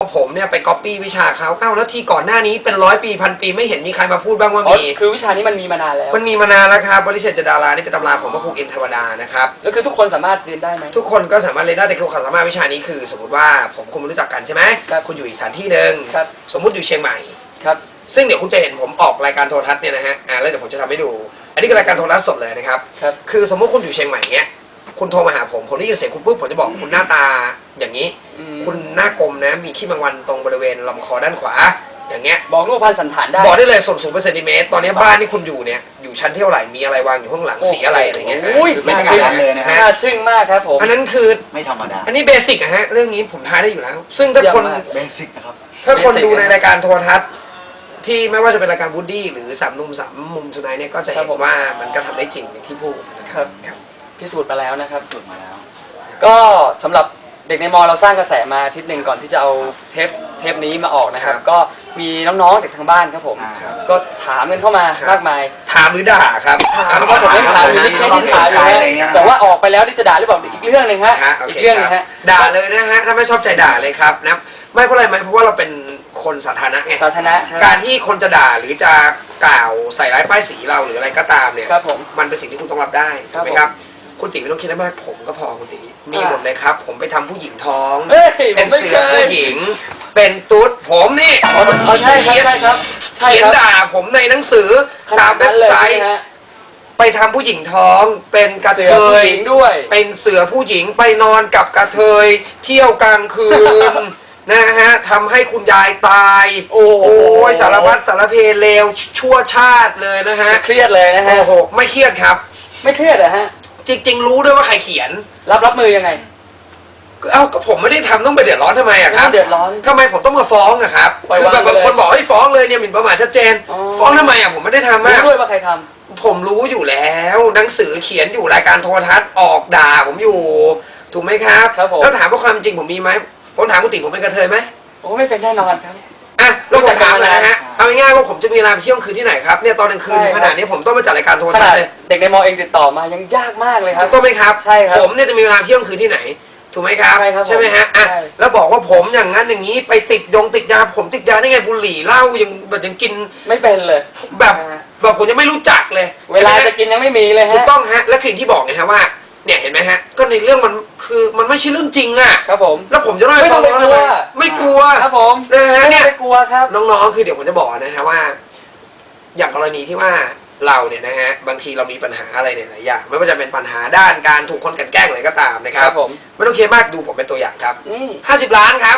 ผมเนี่ยไปก๊อปปี้วิชาเขาแล้วที่ก่อนหน้านี้เป็น100 ปีพันปีไม่เห็นมีใครมาพูดบ้างว่ามีคือวิชานี้มันมีมานานแล้วมันมีมานานแล้วครับบริษัทจดารานี่เป็นตำราของพระครูอินทร์เทวดานะครับแล้วคือทุกคนสามารถเรียนได้ไหมทุกคนก็สามารถเรียนได้แต่ความสามารถวิชานี้คือสมมติว่าผมคุณรู้จักกันใช่ไหมคุณอยู่อีกสถานที่หนึ่งสมมุติอยู่เชียงใหม่ครับซึ่งเดี๋ยวคุณจะเห็นผมออกรายการโทรทัศน์เนี่ยนะฮะแล้วเดี๋ยวผมจะทำให้ดูอันนี้คือรายการโทรทัศน์สดเลยนะครับคือสมมติคุณอยู่เชียงใหม่เงี้ยคุณโทรมาหาผมได้ยินเสียงคุณปุ๊บผมจะบอกคุณหน้าตาอย่างนี้คุณหน้ากลมนะมีขี้แมงวันตรงบริเวณลำคอด้านขวาอย่างเงี้ยบอกรูปพรรณสันฐานได้บอกได้เลยส่วนสูงเป็นเซนติเมตรตอนนี้บ้านที่คุณอยู่เนี่ยอยู่ชั้นเท่าไหร่มีอะไรวางอยู่ข้างหลังสีอะไรอะไรเงี้ยไม่ธรรมดาเลยนะฮะน่าทึ่งมากครับผมอันนั้นคือไม่ธรรมดาอันนี้เบสิกอะฮะเรื่องนี้ผมทายได้อยู่แล้วซึ่งถ้าคนเบสิกนะครับถ้าคนดูในรายการโทรทัศน์ที่ไม่ว่าจะเป็นรายการวูดดี้หรือ3 หนุ่ม 3 มุมทุนายเนี่ยก็จะเห็นว่ามันก็ทำได้จริงอย่างที่พูดนะครับพิสูจน์มาแล้วนะครับพิสูจน์มาแล้วก็สำหรับเด็กในมอเราสร้างกระแสมาอาทิตย์หนึ่งก่อนที่จะเอาเทปนี้มาออกนะครับก็มีน้องๆจากทางบ้านครับผมก็ถามกันเข้ามามากมายถามหรือด่าครับถามก็ผมไม่ถามไม่ที่ถามเลยแต่ว่าออกไปแล้วที่จะด่าหรือเปล่าอีกเรื่องหนึ่งฮะอีกเรื่องนึงฮะด่าเลยนะฮะถ้าไม่ชอบใจด่าเลยครับนะไม่เพราะอะไรไหมเพราะว่าเราเป็นคนสาธารณะไงสาธารณะการที่คนจะด่าหรือจะกล่าวใส่ร้ายป้ายสีเราหรืออะไรก็ตามเนี่ยมันเป็นสิ่งที่คุณต้องรับได้ถูกไหมครับคุณติ๋ไม่ต้องคิดมากผมก็พอคุณติ๋มีหมดเลยครับผมไปทำผู้หญิงท้องเป็นเสือผู้หญิงเป็นตุ๊ดผมนี่ใช่ครับเขียนด่าผมในหนังสือตามเว็บไซต์ไปทำผู้หญิงท้องเป็นกระเทยด้วยเป็นเสือผู้หญิงไปนอนกับกระเทยเที่ยวกลางคืนนะฮะทำให้คุณยายตายโอ้ยสารพัดสารเพเลวชั่วชาติเลยนะฮะเครียดเลยนะฮะโอ้โหไม่เครียดครับไม่เครียดเหรอฮะจริงๆรู้ด้วยว่าใครเขียนรับมือยังไงก็ผมไม่ได้ทำต้องไปเดือดร้อนทำไมอะครับเดือดร้อนทำไมผมต้องมาฟ้องอะครับคือแบบบางคนบอกให้ฟ้องเลยเนี่ยหมิ่นประมาทชัดเจนฟ้องทำไมอะผมไม่ได้ทำมากรู้ด้วยว่าใครทำผมรู้อยู่แล้วหนังสือเขียนอยู่รายการโทรทัศน์ออกด่าผมอยู่ถูกไหมครับแล้วถามว่าความจริงผมมีไหมผมถามคุณติ๋ผมเป็นกระเทยไหมโอ้ไม่เป็นแน่นอนครับเราจะถามเลยนะฮะเอาง่ายๆว่าผมจะมีเวลาไปเที่ยวคืนที่ไหนครับเนี่ยตอนกลางคืนขนาดนี้ผมต้องมาจัดรายการโทรทัศน์เลยเด็กในมอเองติดต่อมายังยากมากเลยครับถูกต้องไหมครับใช่ครับผมเนี่ยจะมีเวลาเที่ยวคืนที่ไหนถูกไหมครับใช่ไหมฮะแล้วบอกว่าผมอย่างนั้นอย่างนี้ไปติดยาผมติดยาได้ไงบุหรี่เหล้ายังกินไม่เป็นเลยแบบผมยังไม่รู้จักเลยเวลาจะกินยังไม่มีเลยฮะถูกต้องฮะและคือที่บอกไงฮะว่าเนี่ยเห็นไหมฮะก็ในเรื่องมันคือมันไม่ใช่เรื่องจริงอ่ะครับผมแล้วผมจะต้องไปฟ้องร้องทำไมไม่กลัวครับผมนะฮะเนี่ยไม่กลัวครับน้องๆคือเดี๋ยวผมจะบอกนะฮะว่าอย่างกรณีที่ว่าเราเนี่ยนะฮะบางทีเรามีปัญหาอะไรเนี่ยหลายอย่างไม่ว่าจะเป็นปัญหาด้านการถูกคนกันแกล้งอะไรก็ตามนะครับไม่ต้องเครียดมากดูผมเป็นตัวอย่างครับ50 ล้านครับ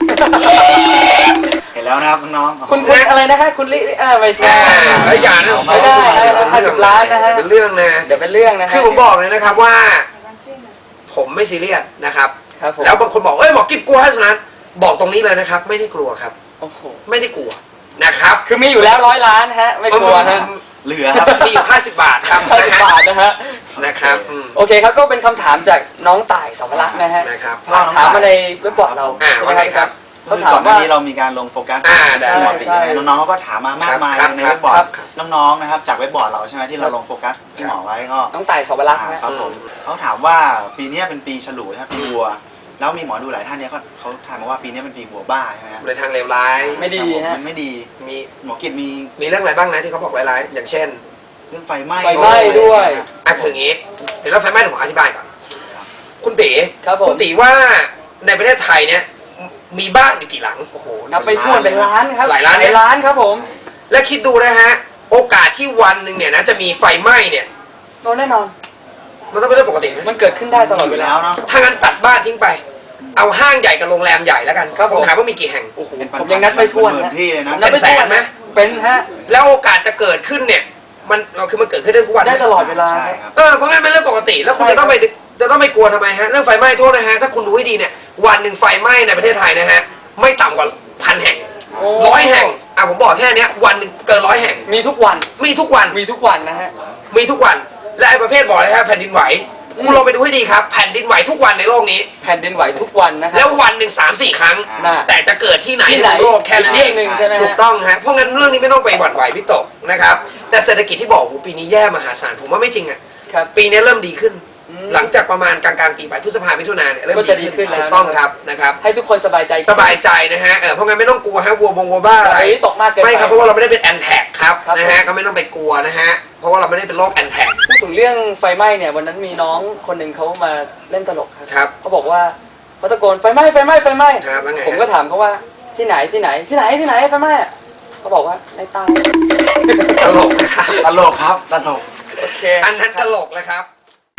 เห็นแล้วนะครับน้องคุณอะไรนะฮะคุณลิไม่ใช่ไม่อย่านะไม่ได้50 ล้านนะฮะเป็นเรื่องนะเดี๋ยวเป็นเรื่องนะคือผมบอกเลยนะครับว่าผมไม่ซีเรียสนะครับแล้วบางคนบอกหมอกิ๊บกลัว50 ล้านบอกตรงนี้เลยนะครับไม่ได้กลัวครับไม่ได้กลัวนะครับคือมีอยู่แล้ว100 ล้านฮะไม่กลัวฮะเหลือครับมีอยู่50 บาทครับ 50 บาทนะฮะนะครับโอเคครับก็เป็นคำถามจากน้องต่ายสาวรักษ์นะฮะถามมาในเว็บบอร์ดเราว่าไงครับเขาถามว่านี้เรามีการลงโฟกัสบอร์ดใช่ไหมน้องๆเขาก็ถามมามากมายในเว็บบอร์ดน้องๆนะครับจากเว็บบอร์ดเราใช่ไหมที่เราลงโฟกัสที่หมอไว้ก็น้องต่ายสาวรักษ์ครับผมเขาถามว่าปีนี้เป็นปีฉลูใช่ไหมปีวัวแล้วมีหมอดูหลายท่านเนี่ยเขาถามมาว่าปีนี้เป็นปีวัวบ้าใช่ไหมในทางเลวร้ายไม่ดีฮะมันไม่ดีมีหมอกิจมีเรื่องอะไรบ้างนะที่เขาบอกร้ายๆอย่างเช่นเรื่องไฟไหม้ด้วยคืออย่างนี้เดี๋ยวเราไฟไหม้ผมอธิบายก่อนคุณตีคุณตีว่าในประเทศไทยเนี่ยมีบ้านอยู่กี่หลังโอ้โหนับไปทั่วเป็นล้านครับหลายล้านครับผมและคิดดูนะฮะโอกาสที่วันหนึ่งเนี่ยนะจะมีไฟไหม้เนี่ยแน่นอนมันต้องเป็นเรื่องปกติไหมมันเกิดขึ้นได้ตลอดเวลาถ้างั้นตัดบ้านทิ้งไปเอาห้างใหญ่กับโรงแรมใหญ่แล้วกันผมถามว่ามีกี่แห่งผมยังนับไม่ถ้วนที่เลยนะเป็นแสนไหมเป็นฮะแล้วโอกาสจะเกิดขึ้นเนี่ยมันเกิดขึ้นได้ทุกวันได้ตลอดเวลาเพราะงั้นเป็นเรื่องปกติแล้วคุณจะต้องไปกลัวทำไมฮะเรื่องไฟไหม้โทษนะฮะถ้าคุณดูให้ดีเนี่ยวันหนึ่งไฟไหม้ในประเทศไทยนะฮะไม่ต่ำกว่า1,000 แห่ง100 แห่งผมบอกแค่นี้วันหนึ่งเกิน100 แห่งมีทุกวันนะฮะมีทุกวันและไอ้ประเภทบอกเลยฮะแผ่นดินไหวคุณลองไปดูให้ดีครับแผ่นดินไหวทุกวันในโลกนี้แผ่นดินไหวทุกวันนะครับแล้ววันหนึ่ง3-4 ครั้งแต่จะเกิดที่ไหนในโลกแค่นั้นเองถูกต้องฮะเพราะงั้นเรื่องนี้ไม่ต้องไปหวั่นไหววิตกนะครับแต่เศรษฐกิจที่บอกปีนี้แย่มหาศาลผมว่าไม่จริงอ่ะปีนี้เริ่มดีขึ้นหลังจากประมาณกลางๆปีไปพฤษภามิถุนาเนี่ยเริ่มก็จะดีขึ้นแล้วถูกต้องครับนะครับให้ทุกคนสบายใจสบายใจนะฮะเพราะงั้นไม่ต้องกลัวฮะวัวบ้าอะไรตกมากเกินไปไม่ครับเพราะว่าเราไม่ได้เป็นแอนแท็กครับครับนะฮะก็ไม่ต้องไปกลัวนะฮะเพราะว่าเราไม่ได้เป็นโรคแอนแท็กพูดถึงเรื่องไฟไหม้เนี่ยวันนั้นมีน้องคนหนึ่งเขามาเล่นตลกครับเขาบอกว่าเขาตะโกนไฟไหม้ไฟไหม้ไฟไหม้ครับแล้วไงผมก็ถามเขาว่าที่ไหนไฟไหม้อะเขาบอกว่าในใต้ตลกนะครับตลกครับตลกโอเคอันนั้นตลกเลยครับ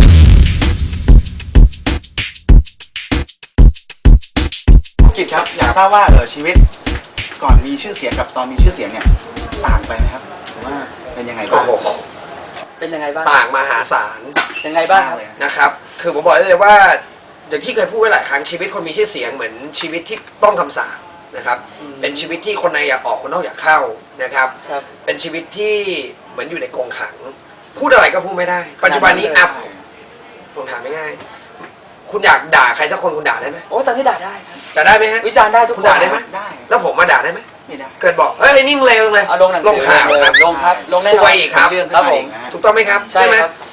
กิจครับอยากทราบว่าชีวิตก่อนมีชื่อเสียงกับตอนมีชื่อเสียงเนี่ยต่างไปไหมครับหรือว่าเป็นยังไงบ้างโอ้โหเป็นยังไงบ้างต่างมหาศาลยังไงบ้างครับเลยนะครับ คือผมบอกได้เลยว่าอย่างที่เคยพูดไว้หลายครั้งชีวิตคนมีชื่อเสียงเหมือนชีวิตที่ต้องคำสาปนะครับ เป็นชีวิตที่คนในอยากออกคนนอกอยากเข้านะครับครับเป็นชีวิตที่เหมือนอยู่ในกรงขัง พูดอะไรก็พูดไม่ได้ ปัจจุบันนี้อัพผมถามง่ายๆคุณอยากด่าใครสักคนคุณด่าได้ไหมโอ้ตอนนี้ด่าได้ครับด่าได้ไหมฮะวิจารณ์ได้ทุกคุคณนด่าได้ไหมได้แล้วผมมาด่าได้ไหมไม่ได้เกิดบอกเฮ้ยไอ้นิ่งเลวเลยเอาลงหนังสือลงข่าวเลยครับลงครับลงแน่ซนอวยนอีกครับเรื่องขึ้นครับมาผมเองนะฮะถูกต้องไหมครับใช่ไหมครับ